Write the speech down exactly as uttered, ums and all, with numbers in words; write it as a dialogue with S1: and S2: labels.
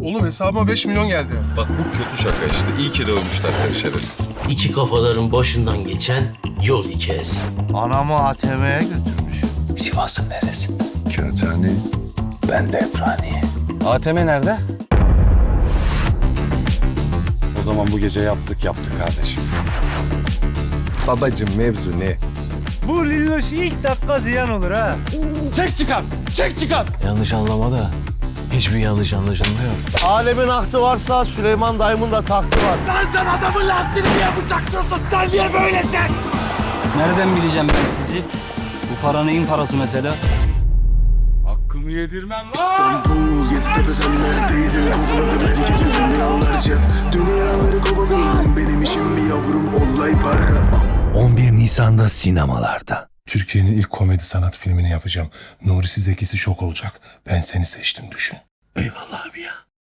S1: Oğlum hesabıma beş milyon geldi.
S2: Bak bu kötü şaka işte. İyi ki dövmüşler seni şerefsiz.
S3: İki kafaların başından geçen yol hikayesi.
S4: Anamı A T M'ye götürmüş.
S3: Sivas'ın neresi?
S1: Kağıthane.
S3: Ben de Ebraniye.
S5: A T M nerede? O zaman bu gece yaptık yaptık kardeşim.
S1: Babacım mevzu ne?
S4: Bu Lilloş ilk dakika ziyan olur ha.
S5: Çek çıkar! Çek çıkar!
S6: Yanlış anlama da hiçbir yanlış anlaşılmıyor.
S4: Alemin ahtı varsa Süleyman dayımın da tahtı var.
S7: Nereden bileceğim ben sizi? Bu para neyin parası mesela?
S5: Hakkımı yedirmem lan!
S8: İstanbul, Yeditepe sen neredeydin? Kovaladım her gece dünyalarca. Dünyaları kovalıyorum, benim işim mi yavrum, olay para.
S6: on bir Nisan'da sinemalarda.
S1: Türkiye'nin ilk komedi sanat filmini yapacağım. Nuri Zekisi şok olacak. Ben seni seçtim düşün.
S3: Eyvallah abi ya.